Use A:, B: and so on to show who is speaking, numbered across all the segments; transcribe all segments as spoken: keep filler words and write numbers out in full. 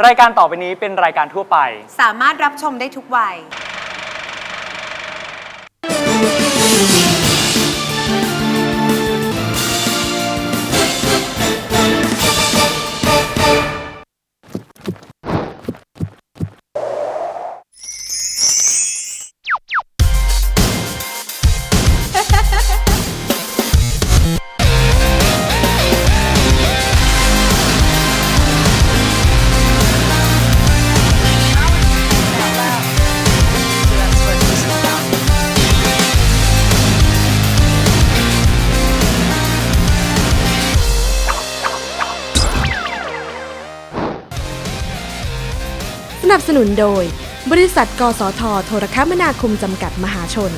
A: รายการต่อไปนี้เป็นรายการทั่วไป
B: สามารถรับชมได้ทุกวัย
C: สนับสนุนโดยบริษัทกสทโทรคมนาคมจำกัดมหาชน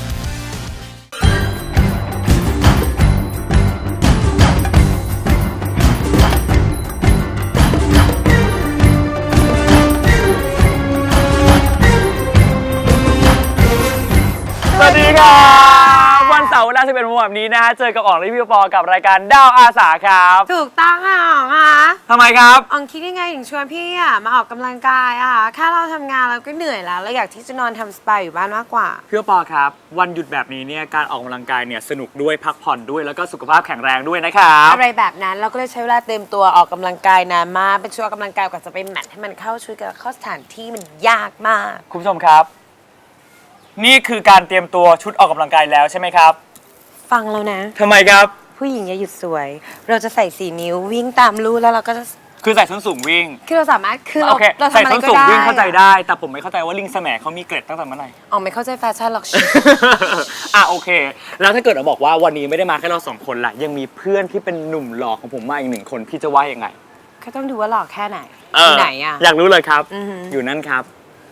A: สวัสดีครับวันเสาร์เวลาสิบเอ็ดโมงแบบนี้นะฮะเจอกับอ๋องและพี่ปอกับรายการดาวอาสาครับ
B: ถูกต้องค่ะอ๋องค่ะ
A: ทำไมครับ
B: อ๋องคิดยังไงถึงชวนพี่อ่ะมาออกกำลังกายอ่ะแค่เราทำงานเราก็เหนื่อยแล้วเราอยากที่จะนอนทำสปาอยู่บ้านมากกว่า
A: พี่ปอครับวันหยุดแบบนี้เนี่ยการออกกำลังกายเนี่ยสนุกด้วยพักผ่อนด้วยแล้วก็สุขภาพแข็งแรงด้วยนะครับ
B: อะไรแบบนั้นเราก็เลยใช้เวลาเต็มตัวออกกำลังกายนานมากเป็นช่วงออกกำลังกายกว่าจะไปแมทให้มันเข้าชุดกับเข้าสถานที่มันยากมาก
A: คุณผู้ชมครับนี่คือการเตรียมตัวชุดออกกำลังกายแล้วใช่ไหมครับ
B: ฟังแล้วนะ
A: ทำไมครับ
B: ผู้หญิงอย่าหยุดสวยเราจะใส่สี่นิ้ววิ่งตามลู่แล้วเราก็จะ
A: คือใส่ส้นสูงวิ่ง
B: คือเราสามารถคือ
A: เราเราใส่ส้นสูงวิ่งเข้าใจ
B: ได้
A: ได้แต่ผมไม่เข้าใจว่าลิงแสมเขามีเกร็ดตั้งแต่เมื่อไหร่
B: อ๋อไม่เข้าใจแฟชั่นหรอก
A: อ่ะโอเคแล้วถ้าเกิดเราบอกว่าวันนี้ไม่ได้มาแค่เราสองคนล่ะยังมีเพื่อนที่เป็นหนุ่มหล่อของผมมาอีกหนึ่งคนพี่จะว่ายังไง
B: ก็ต้องดูว่าหล่อแค่ไหนที่ไหนอ่ะ
A: อยากรู้เลยครับอยู่นั่นครับ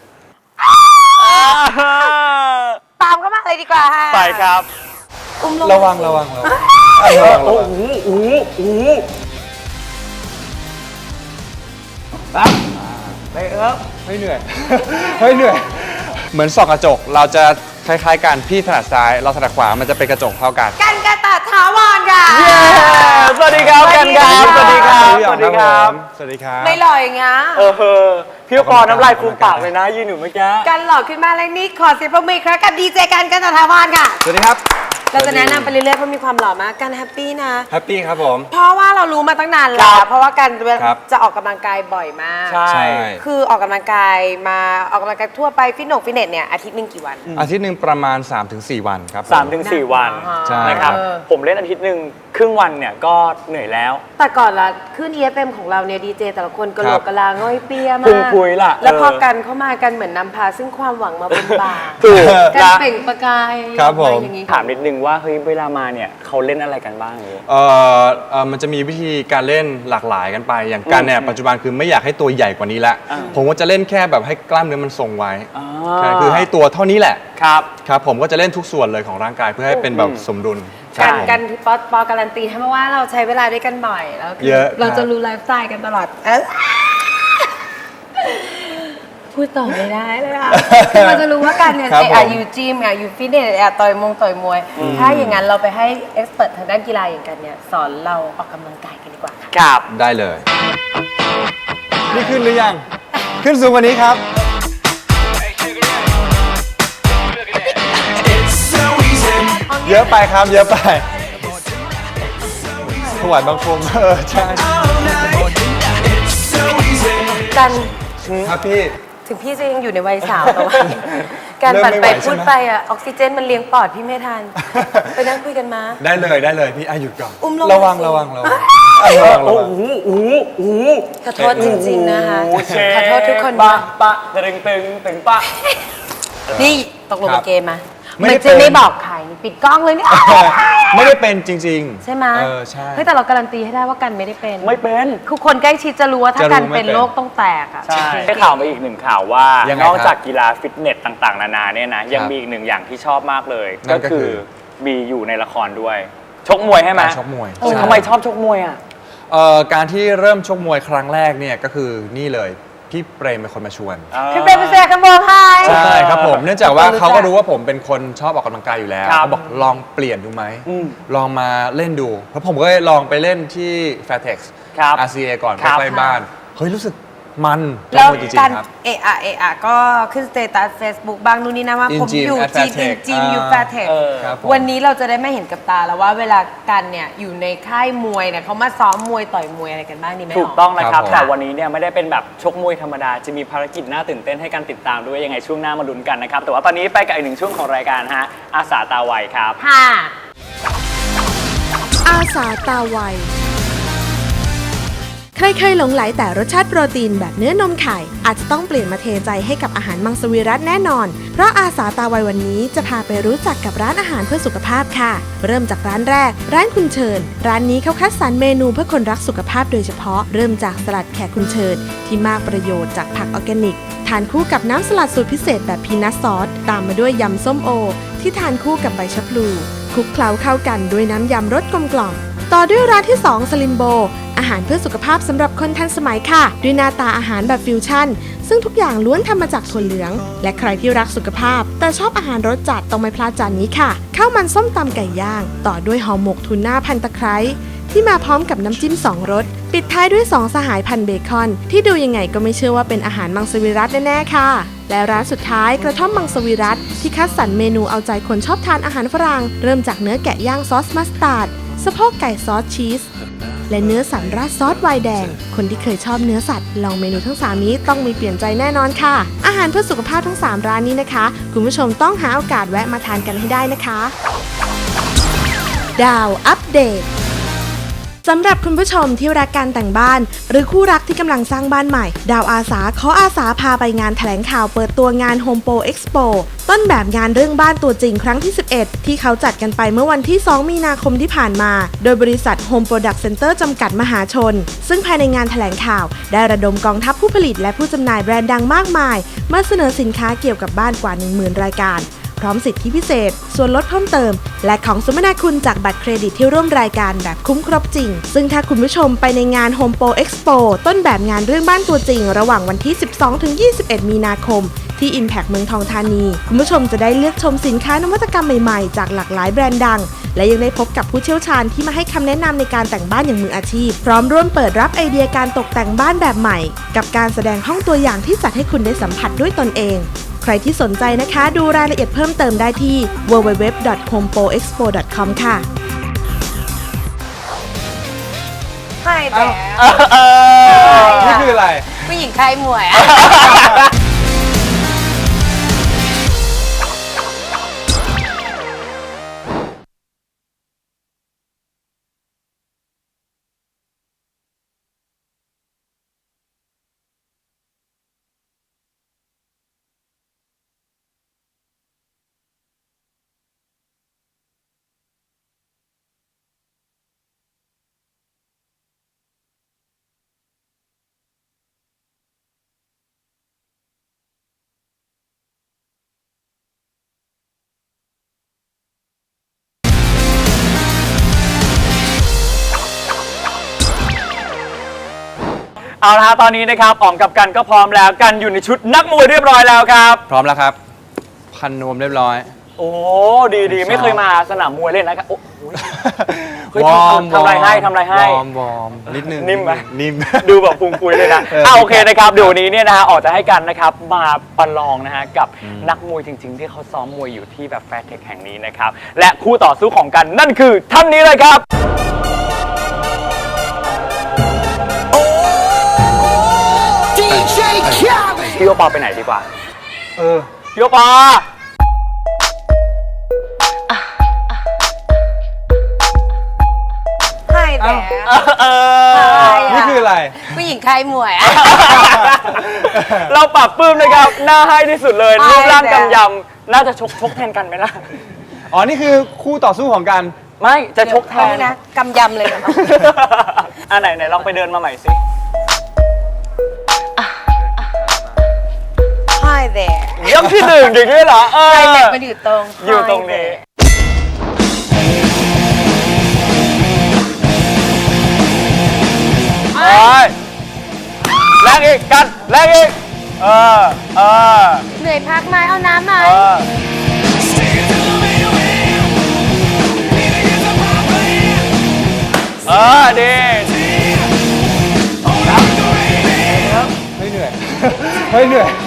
B: ตามก็มาเลยดีกว่า
A: ไปครับ
B: อุ้มลง
D: ระวังระวังระวัง
A: โอ้โหโอ้โหโอ้โหปั๊บไปเออ
D: ไม่เหนื่อยไม่เหนื่อยเหมือนส่องกระจกเราจะคล้ายๆกันพี่ถนัดซ้ายเราถนัดขวามันจะเป็นกระจกเท่ากัน
B: กันกระตัดถาวรค่ะ
A: เย้สวัสดีครับกันครับสวัสดีครับสวัสดีครับ
D: สวัสดีครับ
B: ไม่หล่ออย่างเงี้ย
A: เออพี่ปอน้ำลายฟูมปากเลยนะยืนอยู่เมื่อกี้
B: กันหล่อขึ้นมาแล้วนี่ขอเสียงปรบมือครับกับดีเจกันกันตถาวรค่ะ
D: สวัสดีครับ
B: เราจะแนะนำไปเรื่อยๆเพราะมีความหล่อมากกันแฮปปี้นะ
D: แฮปปี้ครับผม
B: เพราะว่าเรารู้มาตั้งนานแล้วเพราะว่ากันจะออกกำลังกายบ่อยมาก
A: ใช่
B: คือออกกำลังกายมาออกกำลังกายทั่วไปฟิตเนสฟิตเนสเนี่ยอาทิตย์นึงกี่วัน
D: อาทิตย์นึงประมาณ สามถึงสี่ วันครับ
A: สามถึงสี่ วันนะครับผมเล่นอาทิตย์นึงครึ่งวันเนี่ยก็เหนื่อยแล้ว
B: แต่ก่อนละขึ้น อี เอฟ เอ็ม ของเราเนี่ยดีเจแต่ละคนกระโหลกกระลาง่อยเปียมาก
A: พุ่งพุยล่ะ
B: แล้วพอกันเข้ามากันเหมือนนำพาซึ่งความหวังมาบนบ่ากันเปล่งประกาย
D: ครับผม
A: ถามนิดนึงว่าเฮ้ยเวลามาเนี่ยเขาเล่นอะไรกันบ้างนี้
D: เออเออมันจะมีวิธีการเล่นหลากหลายกันไปอย่างกันเนี่ยปัจจุบันคือไม่อยากให้ตัวใหญ่กว่านี้ละผมก็จะเล่นแค่แบบให้กล้ามเนื้อมันทรงไว้คือให้ตัวเท่านี้แหละ
A: ครับ
D: ครับผมก็จะเล่นทุกส่วนเลยของร่างกายเพื่อให้เป็นแบบสมดุล
B: กันกันปอปอการันตีให้มาว่าเราใช้เวลาด้วยกันบ่อยแล้วเราจะรู้ไลฟ์สไตล์กันตลอดพูดต่อไม่ได้เลยอ่ะคือเราจะรู้ว่าการเนี่ยอ่ะอยู่จิมอ่ะอยู่ฟิตเนสอ่ะต่อยมงต่อยมวยถ้าอย่างนั้นเราไปให้เอ็กซ์เพรสทางด้านกีฬาอย่างกันเนี่ยสอนเราออกกำลังกายกันดีกว่า
A: ครับ
D: ได้เลยนี่ขึ้นหรือยังขึ้นสูงกว่านี้ครับเยอะไปครับเยอะไปถวายบังคมเออใช่
B: กัน
D: ครับพี่
B: ถึงพี่จะยังอยู่ในวัยสาวแต่ว่าการปั่นไปพูดไปอะออกซิเจนมันเลี้ยงปอดพี่ไม่ทันไปนั่งคุยกันมา
D: ได้เลยได้เลยพี่อาหยุดก่อน
B: อุ้มลง
D: ระวังระวังระวัง
A: โอ้โหโอ้โห
B: ขอโทษจริงๆนะคะขอโทษทุกคน
A: ปะปะตึงตึงตึงปะ
B: นี่ตกลงเกมมาไม่จะไม่บอกใครปิดกล้องเลยนี่
D: ไม่ได้เป็นจริง
B: ๆใช่ไหม
D: เออใช่
B: เฮ้ยแต่เราการันตีให้ได้ว่ากันไม่ได้เป็น
A: ไม่เป็น
B: คือคนใกล้ชิดจะรู้ว่าถ้ากันเป็นโรคต้องแตกอ่ะ
A: ใช่ได้ข่าวมาอีกหนึ่งข่าวว่านอกจากกีฬาฟิตเนสต่างๆนานาเนี่ยนะยังมีอีกหนึ่งอย่างที่ชอบมากเลยก็คือมีอยู่ในละครด้วยชกมวยใช่ไหม
D: ชกมวย
A: ทำไมชอบชกมวยอ่ะ
D: การที่เริ่มชกมวยครั้งแรกเนี่ยก็คือนี่เลยพี่เปรมเป็นคนมาชวน
B: พี่เปรมเป็นเสียกันบอกให้
D: ใช่ครับผมเนื่องจากว่าเขาก็รู้ว่าผมเป็นคนชอบออกกำลังกายอยู่แล้วเขาบอกลองเปลี่ยนดูไหมลองมาเล่นดูเพราะผมก็ลองไปเล่นที่ Fairtex อาร์ ซี เอ ก่อนใกล้ๆบ้านเฮ้ยรู้สึกมัน
B: แล้ว
D: จริง
B: การ
D: ๆครับ
B: เอะอะเอะอะก็ขึ้นสเตตัส Facebook บางนู่นนี่นะว่า
D: In
B: ผม
D: Gym
B: อยู่
D: at
B: จีน
D: Fairtech
B: จิมอยู่
D: อ่า
B: แฟร์เทค
A: เออ
D: ครับผม
B: วันนี้เราจะได้ไม่เห็นกับตาแล้วว่าเวลากันเนี่ยอยู่ในค่ายมวยเนี่ยเขามาซ้อมมวยต่อยมวยอะไรกันบ้างนี่ไหม
A: ถูกต้องนะครับ
D: ครับผม
A: แต่วันนี้เนี่ยไม่ได้เป็นแบบชกมวยธรรมดา จะมีภารกิจน่าตื่นเต้นให้การติดตามด้วยยังไงช่วงหน้ามาลุ้นกันนะครับ แต่ว่าตอนนี้ไปกับอีกหนึ่งช่วงของรายการฮะอาสาตาไวครับ
B: ค่ะ
C: อาสาตาไว ใครเคยหลงไหลแต่รสชาติโปรตีนแบบเนื้อนมไข่ อาจจะต้องเปลี่ยนมาเทใจให้กับอาหารมังสวิรัติแน่นอน เพราะอาสาตาไววันนี้จะพาไปรู้จักกับร้านอาหารเพื่อสุขภาพค่ะ เริ่มจากร้านแรก ร้านคุณเชิญ ร้านนี้เขาคัดสรรเมนูเพื่อคนรักสุขภาพโดยเฉพาะ เริ่มจากสลัดแขกคุณเชิญ ที่มากประโยชน์จากผักออร์แกนิก ทานคู่กับน้ำสลัดสูตรพิเศษแบบพีนัทซอส ตามมาด้วยยำส้มโอ ที่ทานคู่กับใบชะพลูคลุกเคล้าเข้ากันด้วยน้ำยำรสกลมกล่อม ต่อด้วยร้านที่ สอง สลิมโบ อาหารเพื่อสุขภาพสำหรับคนทันสมัยค่ะ ด้วยหน้าตาอาหารแบบฟิวชั่น ซึ่งทุกอย่างล้วนทำมาจากถั่วเหลือง และใครที่รักสุขภาพ แต่ชอบอาหารรสจัดต้องไม่พลาดจานนี้ค่ะ ข้าวมันส้มตำไก่ย่าง ต่อด้วยห่อหมกทูน่าพันตะไคร้ที่มาพร้อมกับน้ำจิ้มสองรส ปิดท้ายด้วยสองสหายพันเบคอน ที่ดูยังไงก็ไม่เชื่อว่าเป็นอาหารมังสวิรัติแน่ๆค่ะ และร้านสุดท้ายกระท่อมมังสวิรัติที่คัดสรรเมนูเอาใจคนชอบทานอาหารฝรั่งเริ่มจากเนื้อแกะย่างซอสมัสตาร์ดสะโพกไก่ซอสชีสและเนื้อสันราดซอสไวน์แดง คนที่เคยชอบเนื้อสัตว์ลองเมนูทั้งสามนี้ต้องมีเปลี่ยนใจแน่นอนค่ะ อาหารเพื่อสุขภาพทั้งสามร้านนี้นะคะคุณผู้ชมต้องหาโอกาสแวะมาทานกันให้ได้นะคะ ดาวอัปเดตสำหรับคุณผู้ชมที่รักการแต่งบ้าน หรือคู่รักที่กำลังสร้างบ้านใหม่ ดาวอาสาขออาสาพาไปงานแถลงข่าวเปิดตัวงาน Home Pro Expo ต้นแบบงานเรื่องบ้านตัวจริงครั้งที่ สิบเอ็ด ที่เขาจัดกันไปเมื่อวันที่ สอง มีนาคมที่ผ่านมา โดยบริษัท Home Product Center จำกัดมหาชน ซึ่งภายในงานแถลงข่าว ได้ระดมกองทัพผู้ผลิตและผู้จำหน่ายแบรนด์ดังมากมายมาเสนอสินค้าเกี่ยวกับบ้านกว่า หนึ่งหมื่น รายการพร้อมสิทธิพิเศษ ส่วนลดเพิ่มเติม และของสมนาคุณจากบัตรเครดิตที่ร่วมรายการแบบคุ้มครบจริง ซึ่งถ้าคุณผู้ชมไปในงาน Home Pro Expo ต้นแบบงานเรื่องบ้านตัวจริง ระหว่างวันที่ สิบสองถึงยี่สิบเอ็ด มีนาคม ที่ Impact เมืองทองธานี คุณผู้ชมจะได้เลือกชมสินค้านวัตกรรมใหม่ๆ จากหลากหลายแบรนด์ดัง และยังได้พบกับผู้เชี่ยวชาญที่มาให้คำแนะนำในการแต่งบ้านอย่างมืออาชีพ พร้อมร่วมเปิดรับไอเดียการตกแต่งบ้านแบบใหม่ กับการแสดงห้องตัวอย่างที่จัดให้คุณได้สัมผัสด้วยตนเองใครที่สนใจนะคะดูรายละเอียดเพิ่มเติมได้ที่ ดับเบิลยู ดับเบิลยู ดับเบิลยู ดอท โฮมโปรเอ็กซ์โป ดอท คอม ค่ะ
B: ใช่แต่
D: นี่คืออะไร
B: ผู้หญิงค่ายมวยอะ
A: เอาละฮะตอนนี้นะครับอ๋องกับกันก็พร้อมแล้วกันอยู่ในชุดนักมวยเรียบร้อยแล้วครับ
D: พร้อมแล้วครับ พันนวมเรียบร้อย
A: โอ้ดีดีไม่เคยมาสนามมวยเล่นนะครับโอ้โห เฮ้ย
D: วอร์ม
A: ทำอะไรให้ทำอะไรให้
D: วอร์มวอร์มนิดนึง
A: นิ่มไหม
D: นิ่ม
A: ดูแบบปุงปุยเลยนะ
D: เออ
A: อ่าโอเคนะครับเดี๋ยววันนี้เนี่ยนะฮะออกจะให้กันนะครับมาประลองนะฮะกับนักมวยจริง ๆ ที่เขาซ้อมมวยอยู่ที่แบบแฟร์เทคแห่งนี้นะครับและคู่ต่อสู้ของกันนั่นคือท่านนี้เลยครับพี่โอปอไปไหนดีกว่า
D: เออ
A: พี่โอปอ
B: ใช่แต่
A: เออ
D: นี่คืออะไร
B: ผู้หญิงค่ายมวยอะ
A: เราปรับปลื้มเลยครับหน้าให้ที่สุดเลย
B: ใช่
A: รูปร่าง
B: แล้ว
A: กำยำน่าจะชกชกแทนกันไหมล่ะ
D: อ๋อ นี่คือคู่ต่อสู้ของกัน
A: ไม่จะชกแทน
B: นะกำยำเลยนะ
A: อ่ะไหนไหนลองไปเดินมาใหม่สิ
B: ใช่แต่
A: ยกที่หนึ่งอย่างนี้เหรอเออ
B: ใช่แต่มันอยู่ตรง
A: อยู่ตรงนี้ไปแรงอีกกันแรงอีกเออเออ
B: เหนื่อยพักไหมเอาน้ำไหม
A: เออเออดี
D: ไม่เหฮ้ยเหนื่อย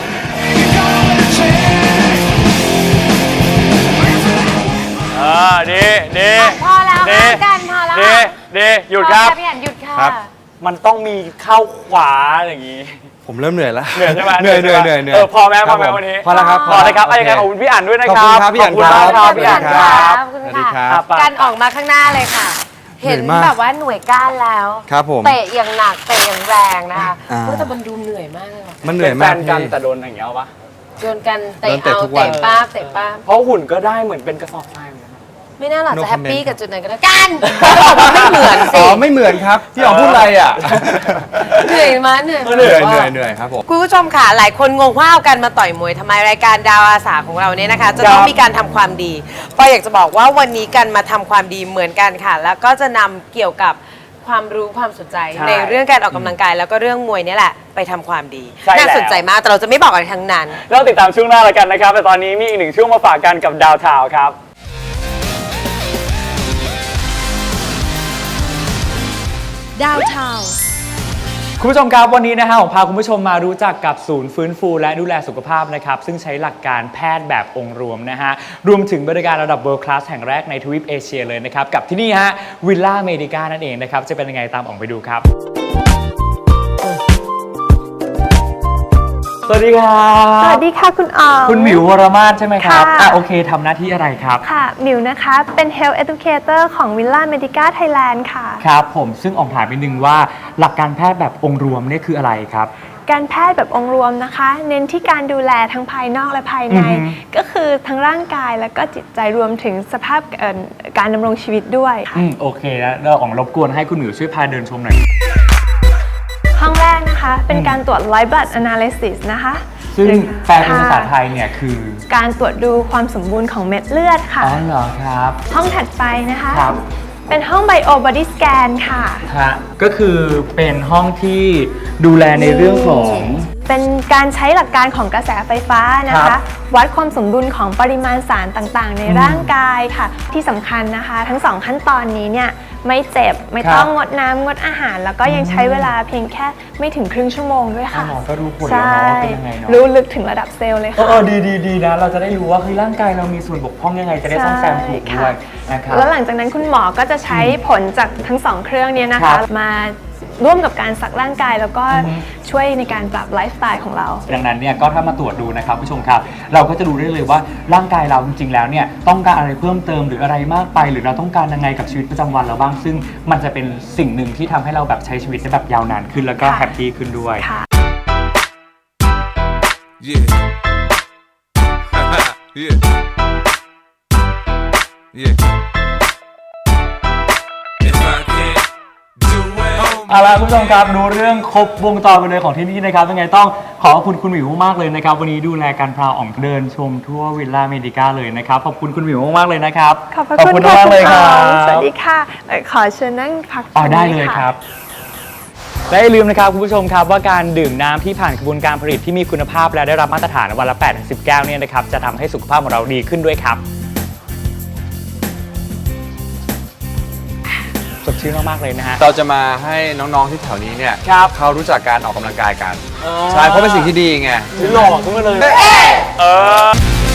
A: เออดีดี
B: พอแล้ว
A: ดี
B: ค่ะกันพอแล้ว
A: ดี
B: ค่ะ
A: ดีหยุดครับ
B: พอแล้วพี่อันหยุดค่ะ
D: ครับ
A: มันต้องมีเข้าขวาอย่างนี้
D: ผมเริ่มเหนื่อยแล้ว
A: เหนื่อยใช่ไหม
D: เหนื่อยเหนื่อย
A: ใช่
D: เห
A: ไหม
D: นื่อย
A: เออพอไหมพอไหม
D: ครับผ
A: วันนี้
D: พอแล้วครับ
A: พอเลยครับ
D: โ
A: เอาอย่างไรขอบคุณพี่อั๋นด้วยนะ
D: ขอบ
A: ค
D: คุ
A: รั
D: ณ
A: บ
D: ครับพี่อั๋น
A: ขอบคุณมาก
D: ครับ
A: พี่อั๋น
B: ข
A: ค
B: อบ
A: รับ
B: คุณ
D: สวัสดี
B: ค่ะ
D: ครับ
B: กันออกมาข้างหน้าเลยค่ะ
D: เหนื่
B: เห็
D: อน ยมาก
B: แบบว่าหน่วยก้านแล้ว
D: ครับผม
B: เตะอย่างหนักเตะอย่างแรงนะคะ
D: อ่า
B: โอ้แต่มันดูเหนื่อยมากเลยว่ะ
D: มันเหนื่อย
A: เป็นแฟ
D: มาก
A: นกัน
D: พี่
A: แต่โดนอย่างเงี้ยเอาปะ
B: โดนกันเตะ
D: โดนเตะ
B: เอา
D: ทุกวัน
B: เตะป้าบเตะป้าบ
A: เพราะหุ่นก็ได้เหมือนเป็นกระสอบทรายเหมือนกันนะ
B: ไม่น่าหรอก
D: No
B: จะแฮปปี้
D: comment
B: กับจุดไหนก็ได้กันไม่เหมือนสิ
D: อ๋อไม่เหมือนครับพี่อ๋องพูดอะไรอ่ะ
B: เหนื่อยมากเหนื่อย
D: เหนื่อย
B: มาก
D: เหนื่อยเหนื่อยครับผม
B: คุณผู้ชมค่ะหลายคนงงว่าเอากันมาต่อยมวยทำไมรายการดาวอาสาของเราเนี่ยนะคะ จะต้องมีการทำความดีปอยอยากจะบอกว่าวันนี้กันมาทำความดีเหมือนกันค่ะ แล้วก็จะนำเกี่ยวกับความรู้ความสนใจ
A: ใช่
B: ในเรื่องการออกกำลังกายแล้วก็เรื่องมวยเนี่ยแหละไปทำความดี
A: ใช่แล้ว
B: น่าสนใจมากแต่เราจะไม่บอกอะไรทั้งนั้น
A: เราติดตามช่วงหน้าแล้วกันนะครับ แต่ตอนนี้มีอีกหนึ่งช่วงมาฝากกันกับดาวทาวครับ
C: ดาวเทา
A: คุณผู้ชมครับวันนี้นะฮะผมพาคุณผู้ชมมารู้จักกับศูนย์ฟื้นฟูและดูแลสุขภาพนะครับซึ่งใช้หลักการแพทย์แบบองค์รวมนะฮะรวมถึงบริการระดับ World Class แห่งแรกในทวีปเอเชียเลยนะครับกับที่นี่ฮะวิลล่าเมดิก้านั่นเองนะครับจะเป็นยังไงตามออกไปดูครับ สวัสดีครับ
E: สวัสดีค่ะคุณอ๋อง
A: คุณหมิววรมาศใช่ไหมครับ
E: ค่ะ
A: อ่ะโอเคทำหน้าที่อะไรครับ
E: ค่ะหมิวนะคะ เป็น Health Educator ของ Villa Medica Thailand ค่ะ
A: ครับผมซึ่งออกถามนิดนึงว่าหลักการแพทย์แบบองค์รวมเนี่ยคืออะไรครับ
E: การแพทย์แบบองค์รวมนะคะ เน้นที่การดูแลทั้งภายนอกและภายใน
A: อือฮึ
E: ก็คือทั้งร่างกายแล้วก็จิตใจรวมถึงสภาพเอ่อการดำรงชีวิตด้วยค่ะ
A: อืมโอเคแล้วเราออกรบกวนให้คุณหมิวช่วยพาเดินชมหน่อย
E: ห้องแรกนะคะเป็นการตรวจ White Blood Analysis นะคะ
A: ซึ่ง
E: หรือ
A: แปลเป็นภาษาไทยเนี่ยคือ
E: การตรวจดูความสมบูรณ์ของเม็ดเลือดค่ะ
A: อ๋อเหรอครับ
E: ห้องถัดไปนะคะ
A: ครับ
E: เป็นห้อง Bio Body Scan ค่ะ
A: ฮะก็คือเป็นห้องที่ดูแลในเรื่องของ
E: เป็นการใช้หลักการของกระแสไฟฟ้านะ
A: ครั
E: คะ
A: บ
E: วัดความสมดุลของปริมาณสารต่างๆ ใน
A: อืม
E: ร่างกายค่ะ ที่สำคัญนะคะ ทั้งสองขั้นตอนนี้เนี่ยไม่เจ็บไม่
A: ครับ
E: ต้องงดน้ำงดอาหาร แล้วก็ยังใช้เวลาเพียงแค่ไม่ถึงครึ่งชั่วโมงด้วยค่ะ
A: อ๋อก็รู้ผลแล้ว
E: ใช่
A: เนาะว่าเป็นยังไงเนาะ
E: รู้ลึกถึงระดับเซลล์เลย
A: เอ
E: ค่ะ
A: อเออดีดีดีนะ เราจะได้รู้ว่าเฮ้ยร่างกายเรามีส่วนบกพร่องยังไงจะได้ซ่อมแซมถูกด้วยนะครับ
E: แล้วหลังจากนั้นคุณหมอก็จะใช้ผลจากทั้งสองเครื่องเนี้นะ
A: ครั
E: คะ
A: บ
E: มาร่วมกับการสักร่างกายแล้วก็
A: อือฮึ
E: ช่วยในการปรับไลฟ์สไตล์ของเรา
A: ดังนั้นเนี่ยก็ถ้ามาตรวจดูนะครับผู้ชมครับ เราก็จะรู้ได้เลยว่าร่างกายเราจริงๆแล้วเนี่ยต้องการอะไรเพิ่มเติมหรืออะไรมากไป หรือเราต้องการยังไงกับชีวิตประจำวันเราบ้าง ซึ่งมันจะเป็นสิ่งหนึ่งที่ทำให้เราแบบใช้ชีวิตได้แบบยาวนานขึ้นแล้วก็
E: ค่ะ
A: แฮปปี้ขึ้นด้วย
E: ค่ะ
F: Yeah. yeah. Yeah. If I can't do it,
A: เอาล่ะคุณผู้ชมครับรู้เรื่องครบวงจรไปเลยของที่นี่นะครับยังไงต้องขอขอบคุณคุณหมิวมากๆเลยนะครับวันนี้ดูแลการพาอ่องเดินชมทั่ววิลล่าเมดิก้าเลยนะครับขอบคุณคุณหมิวมากๆเลยนะครับ
E: ขอบพระคุณค่ะ
A: มาก
E: คุ
A: ๆเลย
E: ณ
A: ค
E: อ๋
A: รั
E: อบ งสวัสดีค่ะเอ่อขอเชิญนั่งพัก
A: อ๋อได้
E: ตง
A: เล
E: นี้
A: ย
E: ค่ะ
A: ครับและอย่าลืมนะครับคุณผู้ชมครับว่าการดื่มน้ำที่ผ่านกระบวนการผลิตที่มีคุณภาพและได้รับมาตรฐานวันละ แปดถึงสิบ แก้วเนี่ยนะครับจะทำให้สุขภาพของเราดีขึ้นด้วยครับสดชื่นมากๆเลยนะฮะ
D: เราจะมาให้น้องๆที่แถวนี้เนี่ย
A: ครับ
D: เขารู้จักการออกกำลังกายกันใช่เพราะเป็นสิ่งที่ดีไง
A: หล่อขึ้นมาเลยเออ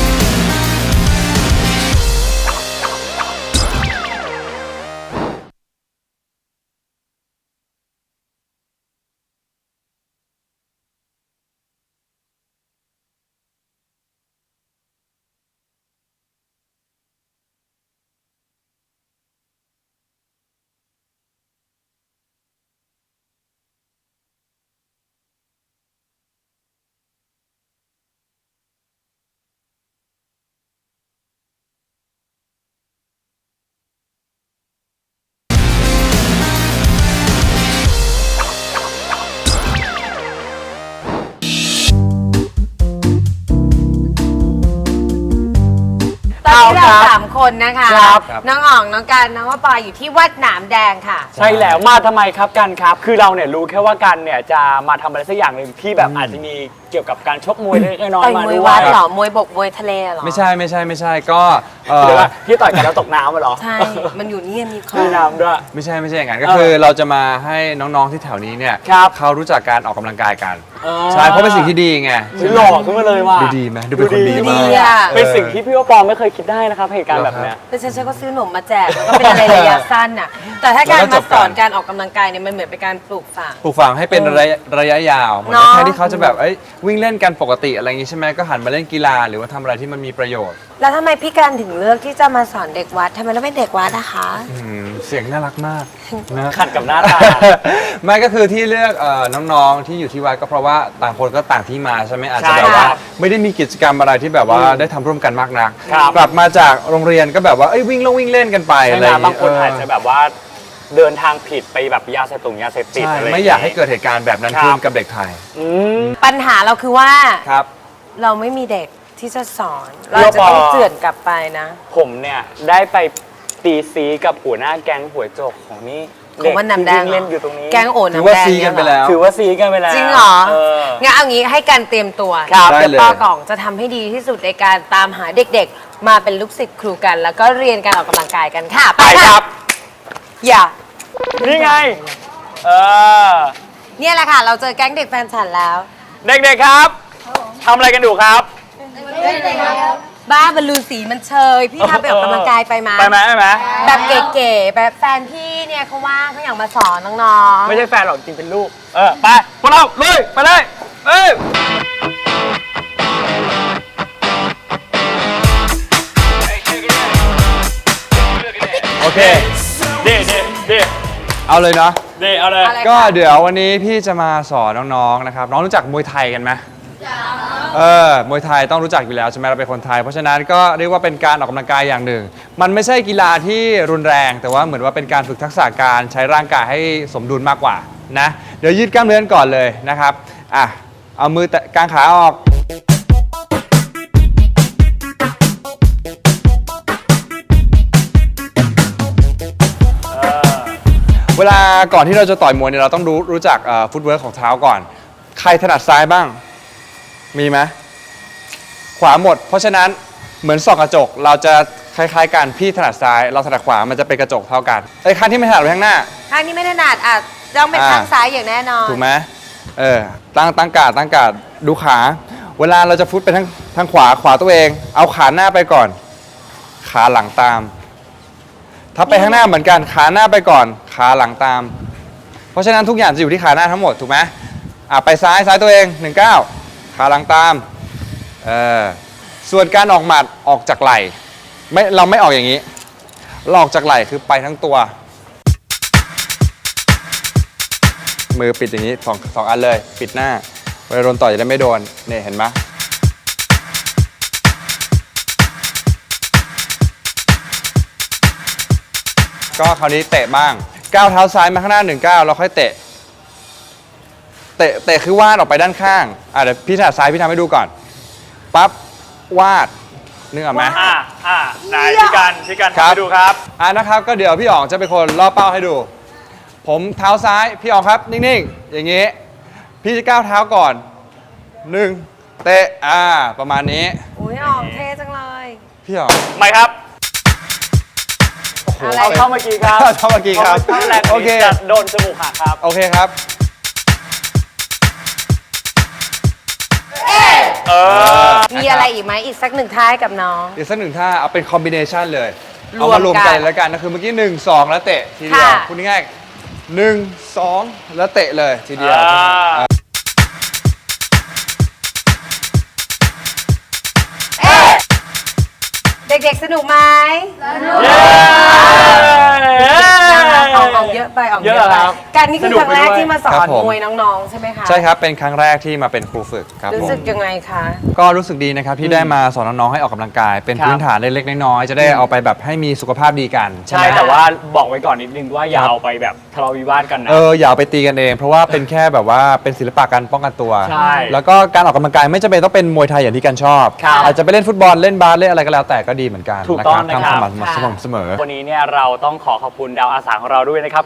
B: ตอนนี้เรา
A: ครับ
B: สามคนนะคะ
A: ครับ
B: น้องอ่อง น้องการน้องว่าปอยอยู่ที่วัดหนามแดงค่ะ
A: ใช่แล้วมาทำไมครับกันครับ คือเราเนี่ยรู้แค่ว่ากันเนี่ยจะมาทำอะไรสักอย่างหนึ่งที่แบบอาจจะมีเกี่ยวกับการชกมวยเล็กๆน้อย
B: ต่อย
A: ๆมาม
B: วย
A: ด้ว
B: วั
A: ย
B: ดเหรอ มวยบก มวยทะเลเหรอ
D: ไม่ใช่ไม่ใช่ไม่ใช่ก็เอ่
A: หรือ
D: อ
A: ว่าที่ต่อยกันแล้วตกน้ำมาเหรอ
B: ใช่ มันอยู่นี่มีคอ
A: มีน้ำด้วย
D: ไม่ใช่ไม่ใช่อย่างนั้นก็
A: เออ
D: คือเราจะมาให้น้องๆที่แถวนี้เนี่ย
A: ครับ
D: เขารู้จักการออกกำลังกายกันใช่เพราะเป็นสิ่งที่ดีไง
A: หล่อขึ้นมาเลยว่ะ
D: ดูดีไหมดูเป็นคนดี
B: ดู
D: มา
B: ดี
D: ก
B: อ่ะ
A: เป็นสิ่งที่พี่ว่าปอไม่เคยคิดได้นะครับเหตุการณ์แบบเนี้ย
B: แต่ฉันฉันก็ซื้อหนมมาแจกแล้วก็เป็นอะไรระยะสั้นน่ะแต่ถ้าการมาสอนการออกกำลังกายเนี่ยมันเหมือนเป็นการปลูกฝัง
D: ปลูกฝังให้เป็นระยะระยะยาวเหมือน
B: เนาะ
D: แทนที่เขาจะแบบเอ้ยวิ่งเล่นกันปกติอะไรอย่างงี้ใช่ไหมก็หันมาเล่นกีฬาหรือว่าทำอะไรที่มันมีประโยชน์
B: แล้วทำไมพี่การถึงเลือกที่จะมาสอนเด็กวัดทำไมเราไม่เด็กวัดนะคะ
D: อืมเสียงน่ารักมากนะ
A: ขัดกับหน้าตา
D: ไม่ก็คือที่เลือกเอ่อน้องๆที่อยู่ที่วัดก็เพราะว่าต่างคนก็ต่างที่มาใช่ไหมอาจจะ
A: ใช่
D: แบบว่า
A: ครับ
D: ไม่ได้มีกิจกรรมอะไรที่แบบว่าได้ทำร่วมกันมากนัก
A: ครับ
D: กลับมาจากโรงเรียนก็แบบว่าเอ้ยวิ่งลงวิ่งเล่นกันไป
A: ใช่
D: อะไร
A: ไหม
D: อย่าง
A: บาง
D: งี้
A: คนอาจจะ
D: เออ
A: แบบว่าเดินทางผิดไปแบบยาเสพติดยาเสพติด
D: ใช่
A: อะไร
D: ไม่อยากให้เกิดเหตุการณ์แบบนั้น
A: ครับ
D: ขึ้นกับเด็กไทย
A: อืม
B: ปัญหาเราคือว่า
D: ครับ
B: เราไม่มีเด็กที่จะสอน เราจะต้องเจือนกลับไปนะ
A: ผมเนี่ยได้ไปตีซีกับหัวหน้าแก๊งหัวโจกของนี่
B: ของวันน้ำแดง
A: ที่วิ่เล่นอยู่ตรงนี้
B: แกงโอน
D: ถือ
B: น้ำ
D: ว่า
B: แดง
D: ซีกันไปแล้ว
A: ถือว่าซีกันไปแล้ว
B: จริงเหรอ
A: เออ
B: งั้นเอางี้ให้การเตรียมตัว
A: ครับ
D: ได้
B: เดี๋ยว
D: เลย
B: ป้ากล่องจะทำให้ดีที่สุดในการตามหาเด็กๆ มาเป็นลูกศิษย์ครูกัน แล้วก็เรียนการออกกำลังกายกันค่ะ
A: ไปครับ
B: อย่า
A: นี่ไง เออ
B: เนี่ยแหละค่ะ เราเจอแก๊งเด็กแฟนฉันแล้ว
A: เด็กๆครับทำอะไรกันอยู่ครับ
B: บ้าบอลลูนสีมันเชย พี่ทำไปออกกำลังกายไปมา
A: ไปไหมไปไหม
B: แบบเก๋ๆแบบแฟนพี่เนี่ยเขาว่างเขาอยากมาสอนน้องๆ
A: ไม่ใช่แฟนหรอกจริงเป็นลูก เออ ไปพวกเราลุยไปเลยเอ้ยโอเคเด็ดเด็ดเด็ด
D: เอาเลยเนาะ
A: เด็ดเอาเลย
B: อะไร
D: ก็เดี๋ยววันนี้พี่จะมาสอนน้องๆนะครับน้องรู้จักมวยไทยกันไหมเออมวยไทยต้องรู้จักอยู่แล้วใช่ไหมเราเป็นคนไทย เพราะฉะนั้นก็เรียกว่าเป็นการออกกำลังกายอย่างหนึ่ง มันไม่ใช่กีฬาที่รุนแรง แต่ว่าเหมือนว่าเป็นการฝึกทักษะการใช้ร่างกายให้สมดุลมากกว่านะเดี๋ยวยืดกล้ามเนื้อก่อนเลยนะครับอ่ะเอามือแตะกางขาออกเวลาก่อนที่เราจะต่อยมวยเนี่ยเราต้องรู้รู้จักฟุตเวิร์กของเท้าก่อน ใครถนัดซ้ายบ้าง มีไหมขวาหมด เพราะฉะนั้นเหมือนส่องกระจกเราจะคล้ายๆกันพี่ถนัดซ้าย เราถนัดขวามันจะเป็นกระจกเท่ากันไอ้ข้างที่ไม่ถนัดไปข้างหน้า
B: ข้างนี้ไม่ถนัดอ่ะต้องเป็น
D: อ่า
B: ข้างซ้ายอย่างแน่นอน
D: ถูกไหมเออตั้งตั้งการ์ดตั้งการ์ดดูขา เวลาเราจะฟุตไปทางทางขวาขวาตัวเอง เอาขาหน้าไปก่อน ขาหลังตาม ถ้าไปข้างหน้าเหมือนกันขาหน้าไปก่อน ขาหลังตาม เพราะฉะนั้นทุกอย่างจะอยู่ที่ขาหน้าทั้งหมดถูกไหมอ่ะไปซ้ายซ้ายตัวเองหนึ่งเก้าขาหลังตามเออส่วนการออกหมัดออกจากไหล่ไม่เราไม่ออกอย่างนี้เราออกจากไหล่คือไปทั้งตัว มือปิดอย่างนี้สองสองอันเลยปิดหน้าเวลาโดนต่อยจะได้ไม่โดนเนี่ยเห็นไหมก็คราวนี้เตะบ้างก้าวเท้าซ้ายมาข้างหน้าหนึ่งก้าวเราค่อยเตะเตะเตะคือวาดออกไปด้านข้างอ่ะเดี๋ยวพี่ถนัดซ้ายพี่ทำให้ดูก่อนปั๊บวาดนึกออกไหม
A: อ่าอ่าไหนพี่กันพี่กัน
D: ครั
A: ทำ
D: บ
A: ให้ดูครับ
D: อ่ะนะครับก็เดี๋ยวพี่อ๋องจะเป็นคนล่อเป้าให้ดู ผมเท้าซ้ายพี่อ๋องครับนิ่งๆอย่างงี้พี่จะก้าวเท้าก่อนหนึ่งเตะอ่าประมาณนี้
B: อุ้ยออกเท่จังเลย
D: พี่อ๋อง
A: ไม่ครับ
B: อะไร
A: เอาเข้าเมื่อกี้ครับ
D: เข้าเมื่อกี้ครับ
A: เข้าแรง
D: โอเค
A: จะโดนจมูกหักครับ
D: โอเคครับ
A: เออ
B: มีอะไรอีกไหมอีกสักหนึ่งท้ายกับน้อง
D: อีกสักหนึ่งท่าเอาเป็นคอมบิเนชันเลย
B: รวม
D: เอามารวม
B: กั
D: กัน นแล้วกันก็คือเมื่อกี้หนึ่งสองแล้วเตะทีเดียว
B: ค่ะ
D: พูดง่ายๆหนึ่งสองแล้วเตะเลยทีเดียว
A: อ่า
B: เด็กๆสนุกไหม
A: เย้
B: ออกออกเยอะไปออกเย
A: เย
B: อะ
A: อะ
B: ไป
A: ครับ
B: การนี่คือ
A: สนุก
B: ครั้งแรก
A: ไปด้วย
B: ที่มาสอ
D: ครั
B: น
D: บผม
B: มวยน้องๆ ใช่ไหมคะ
D: ใช่ครับเป็นครั้งแรกที่มาเป็นครูฝึกครับ
B: รู้
D: ผม
B: สึกยังไงคะ
D: ก็รู้สึกดีนะครับที่ได้มาสอนน้องๆให้ออกกำลังกาย เป็น
A: ครับ
D: พื้นฐานเล็กๆน้อยๆจะได้เอาไปแบบให้มีสุขภาพดีกัน
A: ใช่
D: ไหม
A: แต่ว่าบอกไว้ก่อนนิดนึงว่าอย่าเอาไปแบบทะเลาะวิวาทกันนะ
D: เอออย่าเอาไปตีกันเอง เพราะว่าเป็นแค่แบบว่าเป็นศิลปะการป้องกันตัว
A: ใช่
D: แล้วก็การออกกำลังกายไม่จำเป็นต้องเป็นมวยไทยอย่างที่กันชอบ
A: ครับ
D: อาจจะไปเล่นฟุตบอลเล่นบาสเล่นอะไรก็แล้วแต่ก็ดีเหมือนกัน
A: ถูกต้องนะครับ
D: ทำสม่ำสม่ำเสมอ
A: วันนี้เนี่ยเราต้องขอขอบคุณดาวอาสาของเราด้วยนะครับคุณ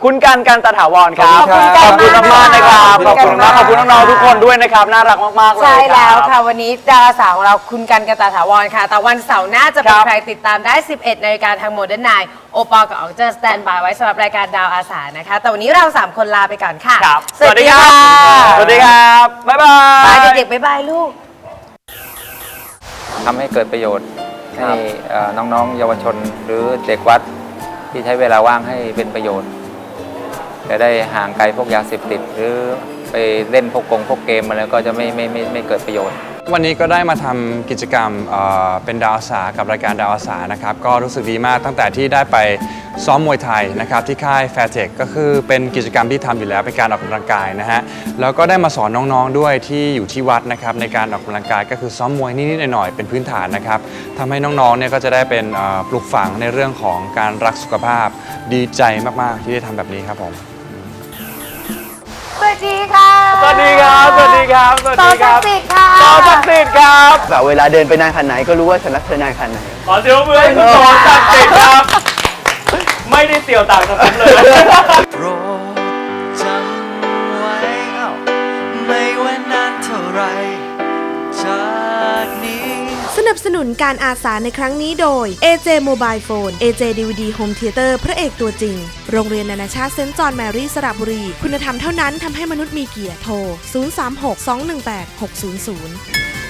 A: คุณกันกันตถาวรครับ
D: ขอบคุณครับ
A: ขอบคุณมากๆนะครับ
B: ข
A: ข
B: อ
A: อ
B: บบ คุ
A: คุณ ณ
B: มาม
A: าก กขอบคุณน้องๆทุกคนด้วยนะครับน่ารักมากๆเลย
B: ใช่แล้ว
A: รับ
B: ค่ะวันนี้ดาราสาวของเราคุณกันกันตาถาวรค่ะ แต่วันเสาร์หน้าจะเป็น
A: ครับ
B: ใครติดตามได้ สิบเอ็ดนาฬิกาทางโมเดิร์นไนน์โอปอลกับออกเจอสแตนบายไว้สำหรับรายการดาวอาสานะคะ แต่วันนี้เราสามคนลาไปก่อนค่ะ
A: ครับ
B: สวัสดีค่ะ
A: สวัสดีครับ บ๊ายบาย
B: บายเด็กๆบ๊ายบายลูก
G: ทำให้เกิดประโยชน์ให้เอ่อน้องๆ เยาวชนหรือเด็กวัดที่ใช้เวลาว่างให้เป็นประโยชน์จะได้ห่างไกลพวกยาเสพติด หรือไปเล่นพวกกงพวกเกมอะไรก็จะไม่ไม่ไม่ไม่เกิดประโยชน์
D: วันนี้ก็ได้มาทำกิจกรรมเอ่อเป็นดาวอาสากับรายการดาวอาสานะครับก็รู้สึกดีมากตั้งแต่ที่ได้ไปซ้อมมวยไทยนะครับที่ค่ายแฟร์เทคก็คือเป็นกิจกรรมที่ทำอยู่แล้วเป็นการออกกำลังกายนะฮะแล้วก็ได้มาสอนน้องๆด้วยที่อยู่ที่วัดนะครับในการออกกำลังกายก็คือซ้อมมวยนิดๆหน่อยๆเป็นพื้นฐานนะครับทำให้น้องๆเนี่ยก็จะได้เป็นเอ่อปลูกฝังในเรื่องของการรักสุขภาพดีใจมากๆที่ได้ทำแบบนี้ครับผม
B: สวัสดีค่ะ
A: สวัสดีครับ สวัสดีครับ สวัส
B: ต่อ
A: ดีค
B: ศั
A: รั
B: ก
A: บ
B: ดิ์สิทธิ์ค่ะ
A: ต่อศักดิ์สิทธิ์ครับ
H: แบบเวลาเดินไปนานขนาดไหนก็รู้ว่าฉันรักเธอนานขนาดไหน
A: ขอเสียงมือให้คุณต่อศักดิ์สิทธิ์ครับ ไม่ได้เสี่ยวต่างกับผมเลย
I: โปรดจำไว้เอ้าไม่ว่านานเท่าไรจากนี้
C: สนับสนุนการอาสาในครั้งนี้โดย เอ เจ Mobile Phone เอ เจ ดี วี ดี Home Theater พระเอกตัวจริง โรงเรียนนานาชาติเซนต์จอห์นแมรี่สระบุรี คุณธรรมเท่านั้นทำให้มนุษย์มีเกียรติโทร ศูนย์ สาม หก สอง หนึ่ง แปด หก ศูนย์ ศูนย์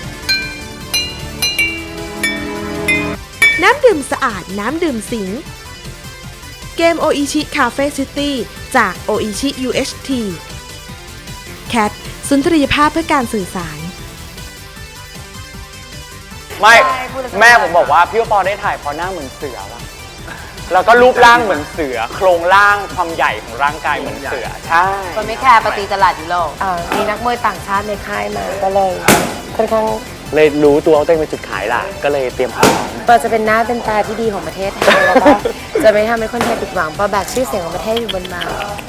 C: น้ำดื่มสะอาดน้ำดื่มสิง เกมโออิชิคาเฟ่ซิตี้จากโออิชิ ยู เอช ที แคทสุนทรียภาพเพื่อการสื่อสาร
A: ไม่ แม่ผมบอกว่าพี่ปอได้ถ่ายเพราะหน้าเหมือนเสือว่ะแล้วก็รูปร่างเหมือนเสือ โครงร่างความใหญ่ของร่างกายเหมือนเสือ ใช่
B: คนไม่แคร์ปฏิตลาดยุโรปเอ่อมีนักมวยต่างชาติในค่ายมาก็เลยค่อนข้าง
J: เลยรู้ตัวว่าตัวเองเป็นจุดขายหลักก็เลยเตรียมพร้อม
B: ปอจะเป็นหน้าเป็นตาที่ดีของประเทศไทยแล้วก็จะไม่ทำให้คนไทยผิดหวังปอแบกชื่อเสียงของประเทศอยู่บนบ่า